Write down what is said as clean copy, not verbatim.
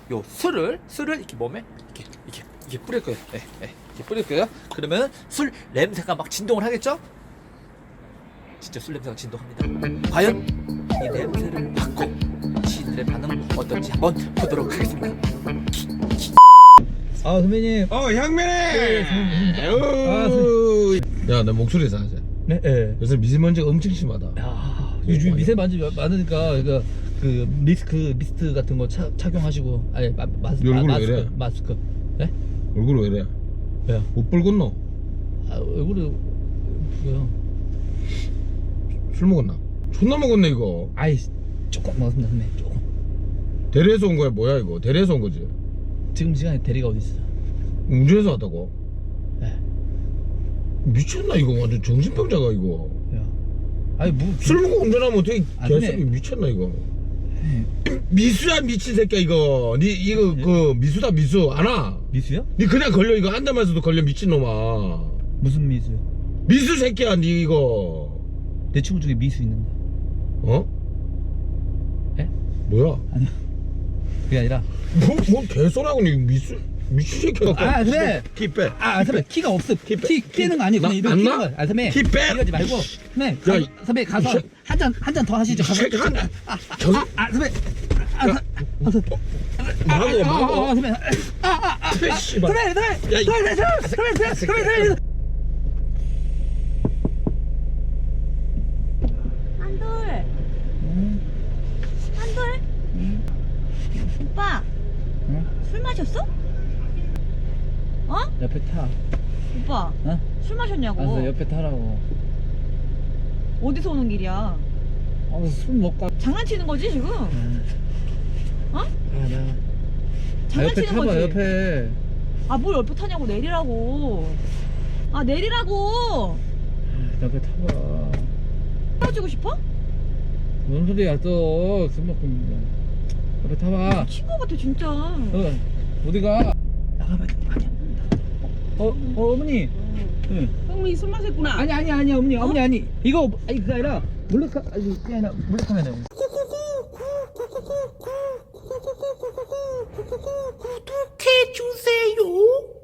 요 술을 이렇게 몸에 이렇게 뿌릴 거예요. 이렇게 뿌릴 거예요. 그러면 술 냄새가 막 진동을 하겠죠? 진짜 술 냄새가 진동합니다. 과연 이 냄새를 맡고 시인들의 반응은 어떨지 한번 보도록 하겠습니다. 아 선배님. 향면에. 야, 내 목소리 이상하지? 네. 네. 요새 미세먼지가 엄청 심하다. 야 요즘 미세먼지 많으니까 그러니까 그 미스트 같은 거 착용하시고 아니 얼굴 왜 이래? 마스크. 네? 얼굴 왜 이래? 왜요? 못 붉었노? 아 얼굴이 왜요? 술 먹었나? 존나 먹었네 이거. 아이 조금 먹었습니다 선배님 조금. 대리에서 온 거야 뭐야 이거? 대리에서 온 거지? 지금 시간에 대리가 어디 있어? 운전해서 왔다고? 네. 미쳤나 이거 완전 정신병자가 이거. 왜요? 아니 뭐 술 먹고 운전하면 어떻게 아, 개새끼 근데- 미쳤나 이거. 네. 미수야 미친 새끼야 이거. 니 이거 그 미수다 미수 안아. 미수요? 니 그냥 걸려 이거 앉아마서도 걸려 미친놈아. 무슨 미수요? 미수 새끼야 니 이거. 내 친구 중에 미수 있는데. 어? 예? 뭐야? 아니요. 그게 아니라. 뭐 개소리하고 니 미수 새끼야. 아 선배. 키 빼. 아 선배 키가 없어. 키 끼는 거 아니고 나- 그냥 이렇게 안 끼는 나? 거야. 아 선배. 키 빼. 이러지 말고. 선배. 야, 선배 가서 이 한 잔 더 하시죠. 가서. 새끼 한- 선배. 막어. 선배. 폐 씨발. 선배. 선배. 한돌. 한돌. 오빠. 술 마셨어? 어? 옆에 타. 오빠. 어? 술 마셨냐고. 알았어 옆에 타라고. 어디서 오는 길이야? 술 먹고. 장난치는 거지 지금? 어? 아 나. 옆에 장난치는 타봐 거지? 옆에. 아 뭘 옆에 타냐고 내리라고. 아 내리라고. 옆에 타봐. 헤어지고 싶어? 뭔 소리야 또. 술 먹고 있는데. 옆에 타봐. 친구 같아 진짜. 어디가? 나가봐. 아니야. 어머니. 응. 형민이 술 마셨구나. 아니 어머니 아니 이거 아니 그게 아니라 몰래카 아니 그게 아니라 몰래카메라. 구독해주세요.